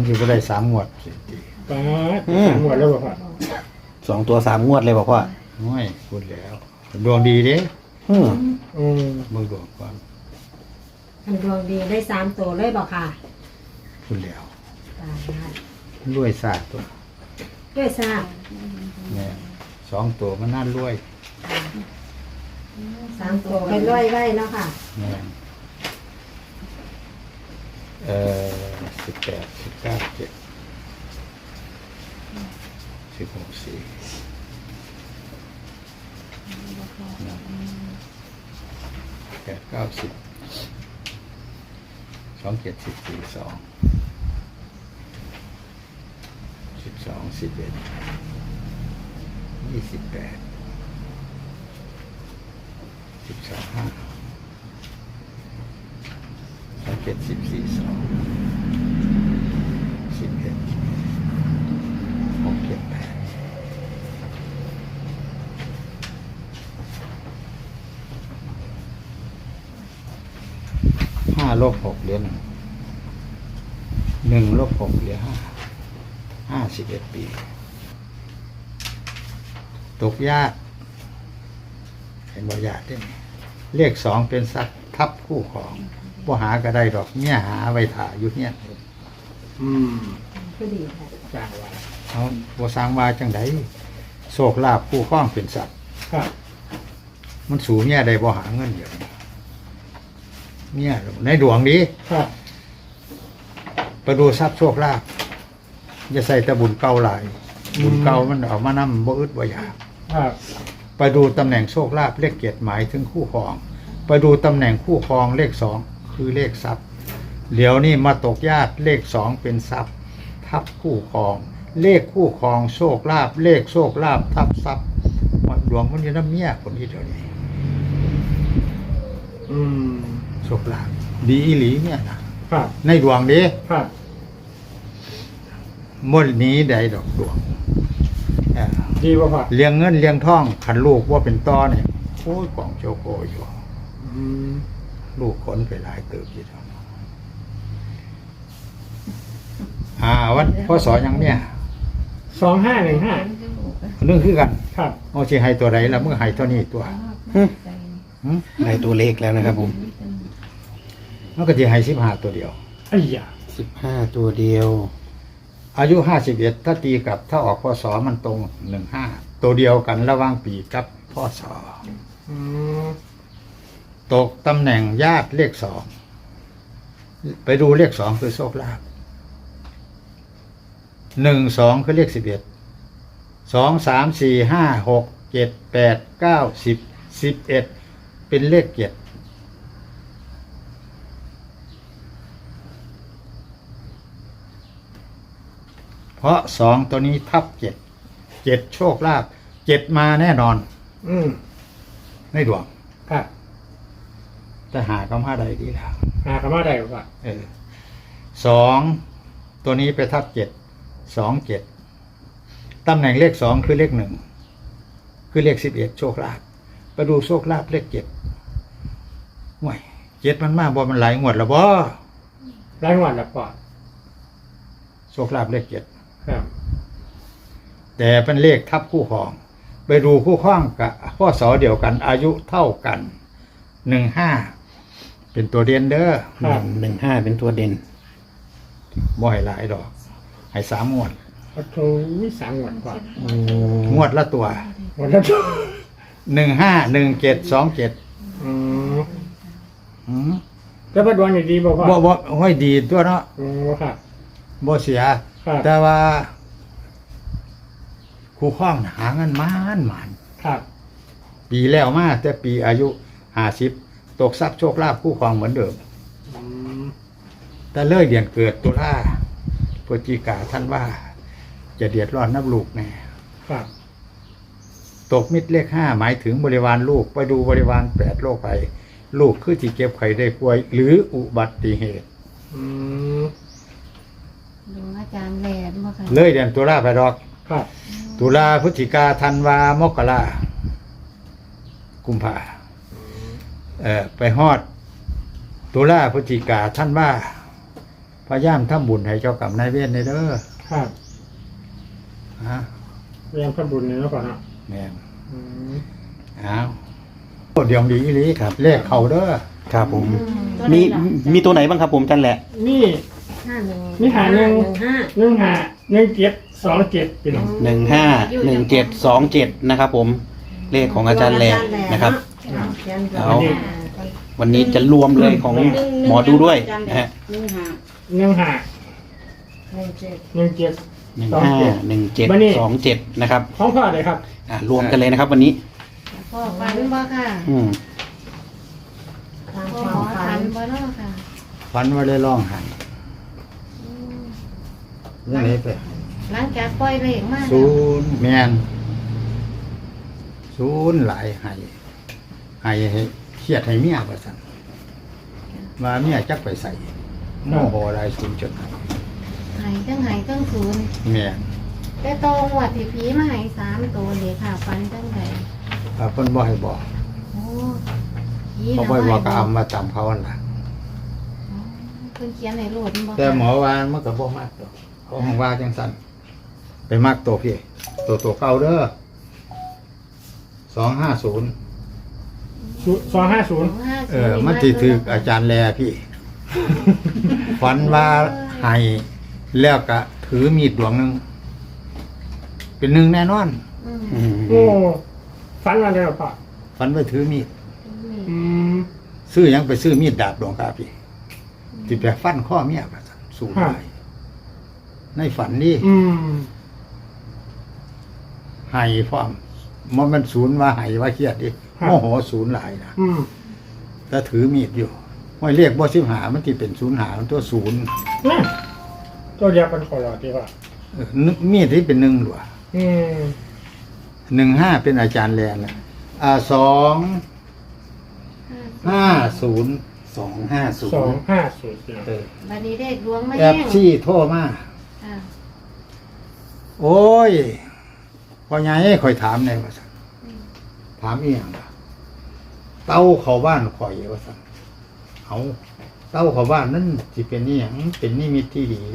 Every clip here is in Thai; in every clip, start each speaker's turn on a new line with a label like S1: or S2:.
S1: อยู่ก็ได้3 งวด
S2: ป้า3 งวดแล้วบ่พ่อ
S3: 2 ตัว 3 งวดเลยบอกว่า
S1: น้อยพูดแล้วดวงดีเด้มึงดวงก่อน
S4: อันดวงดีได้3 ตัวเลยบอกค่ะ
S1: พูดแล้ว
S4: ตายแล้ว
S1: รวยศาสตร์ตัว
S4: ด้วยทราบ
S1: เนี่ย2 ตัวมันน่ารวย
S4: 3 ตัวไปร้อยไว้เนาะค่ะ
S1: เนี่ย18 19 7 16 4 8 9 10 2 7 14 2 12 11 28 12 5 2 7 14 2 11 6 7 85 ลบ 6เหลือ1 ลบ 6เหลือ51 ปีตกยากเห็นบ่ยากได้ไหมเลข2เป็นสัตว์ทับคู่ของบ่หาก็ได้ดอกเนี่ยหาไว้ถ่าอยู่เนี่ย
S4: ก็ดีค่ะ
S2: จ้าว่า
S1: เอาบ่สร้างว่าจังไดโชคลาภคู่ครองเป็นสัตว์
S2: ครับ
S1: มันสูงเนี่ยได้บ่หาเงินเดี๋ยวนี้เนี่ยในดวงนี้
S2: ครับ
S1: ไปดูทรัพย์โชคลาภอย่าใส่แต่บุญเก่าหลายบุญเก่ามันเอามานำบ่อึดบ่อยาก
S2: ครับ
S1: ไปดูตำแหน่งโชคลาภเลข7หมายถึงคู่ครองไปดูตำแหน่งคู่ครองเลข2คือเลขทรัพย์เดี๋ยวนี้มาตกญาติเลข2เป็นทรัพย์ทับคู่ครองเลขคู่ครองโชคลาภเลขโชคลาภทับทรัพย์ดวงมันอยู่น้ำเมียคนนี้เดี๋ยวนี้โชคลาภดีอีหลีเนี่ยนะครับ ในดวงนี้
S2: ครับ
S1: มดนี้ใดดอกดวง
S2: ดีบ่พ่อ
S1: เลี้ยงเงินเลี้ยงทองขันลูกว่าเป็นต้อเนี่ยโอ้ยกล่องโชโกอยู่ลูกขนไปหลายเติบอยู่แล้ววันพ่อสอนยังเนี่ย
S2: 2515
S1: เรื่องคือกัน
S2: ครับ
S1: เอาสิให้ตัวไหนละเมื่อให้เท่านี้ตัว
S3: ได้ตัวเลขแล้วนะครับผม
S1: มันก็จะให้15ตัวเดียว
S2: ไอ้ยา
S3: 15 ตัวเดียว
S1: อายุ51ถ้าตีกับถ้าออกพศมันตรง15ตัวเดียวกันระหว่างปีกับพศตกตำแหน่งญาติเลข2ไปดูเลข2คือโชคลาภ1 2คือเลข11 2 3 4 5 6 7 8 9 10 11เป็นเลข7เพราะ2ตัวนี้ทับ7โชคลาภ7มาแน่นอนในดวง
S2: ครับ
S1: แต่หาก็มาได้ดีแล้ว
S2: หาคำว่าใดบ่พ่อ
S1: 2ตัวนี้ไปทับ7 2 7ตำแหน่งเลข2คือเลข1คือเลข11โชคลาภไปดูโชคลาภเลข7ห่วย7มันมากบ่มันหลายงวดแล้วบ่
S2: รายงวดละพ่อ
S1: โชคลาภเลข7
S2: ครับ
S1: แต่เป็นเลขทับคู่ครองไปดูคู่ครองกับพศเดียวกันอายุเท่ากัน15เป็นตัวเด่นเด้อ
S2: ครับ
S3: 15 เป็นตัวเด่น
S1: บ่ให้หลายดอกให้3 งวด
S2: โอ้โห3 งวดพ่อง
S1: วดละตัว
S2: งวดละตัว
S1: 15 17 27
S2: แล้วบ่ดวงนี่ดีบ่พ่อ
S1: บ่ห้อยดีตัวเนาะ
S2: ครับ
S1: บ่เสีย
S2: ครับ
S1: แต่ว่าคู่ครองหาเงินมาน
S2: ครับ
S1: ปีแล้วมาแต่ปีอายุ50ตกทรัพย์โชคลาภคู่ครองเหมือนเดิมแต่เลยเดือนเกิดตุลาพฤศจิกาท่านว่าจะเดือดร้อนนับลูกแน่
S2: ครับ
S1: ตกมิตรเลข5หมายถึงบริวารลูกไปดูบริวาร8โรคภัยลูกคือที่เก็บไข้ได้ป่วยหรืออุบัติเหตุ
S5: ดูอาจารย์แหลมบ่ค่ะ
S1: เลยเดือนตุลาไปดอก
S2: ครับ
S1: ตุลาพฤศจิกาธันวามกรากุมภาไปฮอดตุลาพฤศจิกาธันวาพยายามทำบุญให้เจ้ากรรมนายเวรในเด้อ
S2: ครับ
S1: ฮะ
S2: เรียนพระบุญเนี่ยแล้วก่อนเนาะ
S1: แม่น
S2: อืม
S1: อ้าวโอ้เดี๋ยวดีอีหลีเลขเขาเด้อ
S3: ครับผม
S5: ตัว
S3: มี
S5: ใดล่ะ
S3: มีตัวไหนบ้างครับผมอาจารย์แหละ
S2: นี่
S4: 51
S2: นี่หาหนึ่ง
S4: 15
S2: 15 17 27พี่น้อง
S3: 151727นะครับผมเลขของอาจารย์แหละนะครับ เอา วันนี้จะรวมเลยของหมอดูด้วยนะฮะ
S2: 15 17
S3: 151727นะครับ
S2: ของพ่อเลยครับ
S3: รวมกันเลยนะครับ วันนี้
S5: พ่อฝันบ่ค่ะ
S3: อืม
S4: ตาม
S5: พ่อ
S4: ความ
S5: ฝั
S4: ฝั
S5: น
S4: น
S5: บ่เนาะค่ะ
S1: ฝันว่าได้ร้องไห้
S5: อืม
S1: ยังไงไป
S5: หลังจากปล่อยเลขมาแล้ว
S1: ศูนย์แมนศูนย์หลายให้ให้เครียดให้เมียว่าสั่นมาเมียจักไปใส่โมโหหลายศูนย์จน
S5: หายทั้งศูนย์
S1: แม่น
S5: แต่ตรงวัดที่ผีมาให้3ตัวเลยค่ะฝันจังได
S1: เพิ่นบ่ให้บอก
S5: โอ้ผี
S1: เขา
S5: น่ะ
S1: บ่ให้บอกก็
S5: บ่
S1: เอามาตามเขาหั่นล่ะ
S5: เพิ่นเขียนให้โลดบ่
S1: แต่หมอว่ามันก็บ่มากดอกเขาห้องว่าจังซั่นไปมากตัวพี่ตัวเก่าเด้อ250
S2: 250
S1: มันสิถึกอาจารย์แลพี่ ฝันว่าให้แล้วก็ถือมีดดวงหนึงเป็นหนึ่งแน่นอน
S5: อืม
S3: อืม
S2: โอ้ฝันมาเลยเหรอพ่อ
S1: ฝันว่าถือมีด
S2: อืม
S1: ซื้อหยังไปซื้อมีดดาบดวงกาพี่ที่ไปฟันข้อเมียว่าซั่นสู้ได้ในฝันนี่
S2: อืม
S1: ให้พร้อมมันศูนย์ว่าให้ว่าเครียดดิโมโหศูนย์หลายนะ
S2: อืม
S1: แต่ถือมีดอยู่ไม่เรียกบ่15มันที่เป็นศูนย์หามันตัวศูนย์
S2: เนี่ยตัวเดียวกันขอรอดีกว่า
S1: มีดที่เป็นหนึ่งหลัว
S2: อืม
S1: 15เป็นอาจารย์แลนนะ250
S3: 250
S2: 250พี่น้อง
S5: บัดนี้เลขดวงมา
S1: แอ
S5: แย่
S1: บ
S5: ง
S1: ซี่โทรมา
S5: ค่ะ
S1: โอ้ยพ่อใหญ่ข่อยถามแน่ว่าซั่นถามอีหยังล่ะเต้าเข้าบ้านข่อยว่าซั่นเอาเต้าเข้าบ้านนั่นสิเป็นอีหยังเป็นนิมิตที่ดี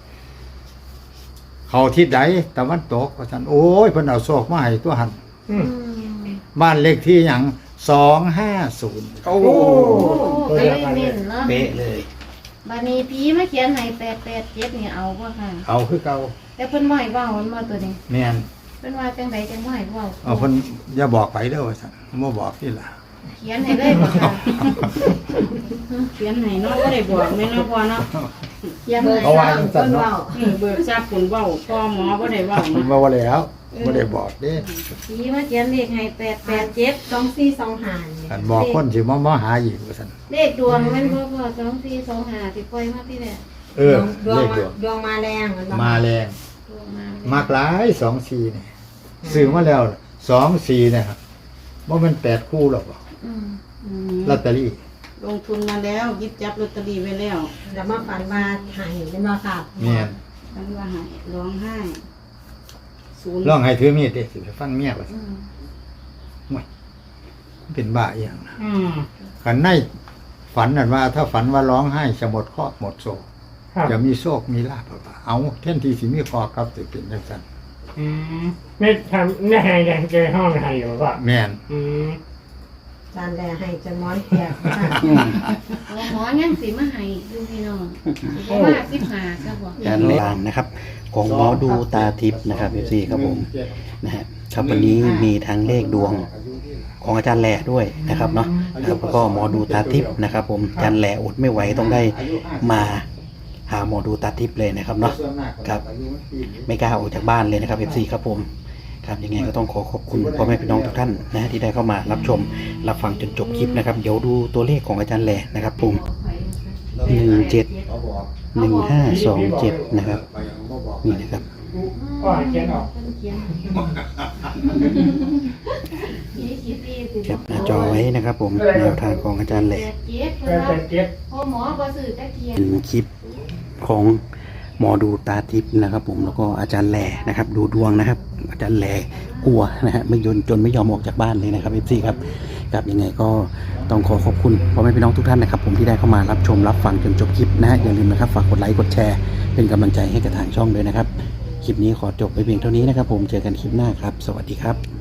S1: เขาทิศใดตะวันตกว่าซั่นโอ้ยเพิ่นเอาโชคมาให้ตัวหัน
S2: อืม
S1: บ้านเลขที่หยัง250
S3: โอ้
S2: โอ้
S5: โอ้ไปเน้นเนาะ
S3: เป๊ะเลย
S5: บัดนี้ผีมาเขียนให้887นี่เอาบ่ค่ะ
S1: เอาคือเก่า
S5: แต่เพิ่นบ่ให้เว้ามันบ่ตัวนี้
S1: แม่น
S5: เพิ่นว่าจังไดจังบ่ให้เว้า
S1: เอาเพิ่นอย่าบอกไปเด้อว่าซั่นบ่บอกที่ล่ะ
S5: เขียนให้เลยบ่ค่ะ
S6: เขียนให้เนาะบ่ได้บอกแม่เนาะพ่อเนาะ
S5: เขียนให้
S1: เขาว่าจังซั่นเนาะ
S6: เบิกทราบผลเว้าพ่อหมอบ่ได้เว้า
S1: เพิ่น
S6: เนาะ
S1: ว่าแล้วบ่ได้บอกเด้
S5: ผีมาเขียนเลขให้887
S4: 2425
S1: อันบอกคนสิมาหาอีกว่าซั่น
S5: เลขดวงแม่นบ่พ่อ2425ที่ปล่อยมาที่แรก
S1: เออ
S4: ดว
S1: เล
S4: ง
S1: ขดวง
S4: ดวงมาแรงเหมือนบ่
S1: มาแรง
S5: ดวงมา
S1: มากหลาย24นี่ซื้อมาแล้ว24นะครับบ่แม่น8คู่หรอกบ่
S5: อืม
S6: อืม
S1: ลอตเตอรี่
S6: ลงทุนมาแล้วหยิบจับลอตเตอรี่ไว้แล้ว
S4: แล้วมาฝันว่าหายเป็นบ่ครับ
S1: แม่น
S6: ทั้งว่าให้ร้องไห้ศูนย์
S1: ลองให้ถือมีดดิสิไปฟันเมียว่าซั่น
S5: อืม
S1: มันเป็นบ้าอีหยังนะ
S2: อืม
S1: คันในฝันนั่นว่า ถ้าฝันว่าร้องไห้จะหมดเคราะห์หมดโศก
S2: ครับ
S1: จะมีโชคมีลาภบ่เอาแทนที่สิมีเคราะห์กับสิเป็นจังซั่น
S2: อืมไม่ทำไม่ให้แดงเจอห้องให้อยู่ป่ะ
S1: แม่น
S2: อืม
S4: จานแลให้จนม้อนเปียกค่ะ
S5: หมอยังสิมาให้อยู่พี่น้องสิบ่มา15ก็บ่
S3: การลางนะครับ ของหมอดูตาทิพย์นะครับพี่ซีครับผมนะฮะครับวันนี้มีทั้งเลขดวงของอาจารย์แหล่ด้วยนะครับเนาะนะครับแล้วก็หมอดูตาทิพย์นะครับ ผมอาจารย์แหล่อดไม่ไหวต้องได้มาหาหมอดูตาทิพย์เลยนะครับเนาะครับไม่กล้าออกจากบ้านเลยนะครับ FC ครับผมครับยังไงก็ต้องขอขอบคุณพ่อแม่พี่น้องทุกท่านนะที่ได้เข้ามารับชมรับฟังจนจบคลิปนะครับเดี๋ยวดูตัวเลขของอาจารย์แหล่นะครับผม1527นะครับนี่นะครับ
S2: ก็ให้เขียนออก
S3: แคปหน้าจอไว้นะครับผมแนวทางของอาจารย์แหล่
S2: แต่เจ็ด
S5: พ่อหมอบ่ซื้อจักเทียน
S3: เป็นคลิปของหมอดูตาทิพย์นะครับผมแล้วก็อาจารย์แหล่นะครับดูดวงนะครับ อาจารย์แหล่กลัวนะฮะไม่ยนจนไม่ยอมออกจากบ้านเลยนะครับพี่ครับครับยังไงก็ต้องขอบคุณพ่อแม่พี่น้องทุกท่านนะครับผมที่ได้เข้ามารับชมรับฟังจนจบคลิปนะฮะอย่าลืมนะครับฝากกดไลค์กดแชร์เป็นกำลังใจให้กับทางช่องด้วยนะครับคลิปนี้ขอจบไปเพียงเท่านี้นะครับผมเจอกันคลิปหน้าครับสวัสดีครับ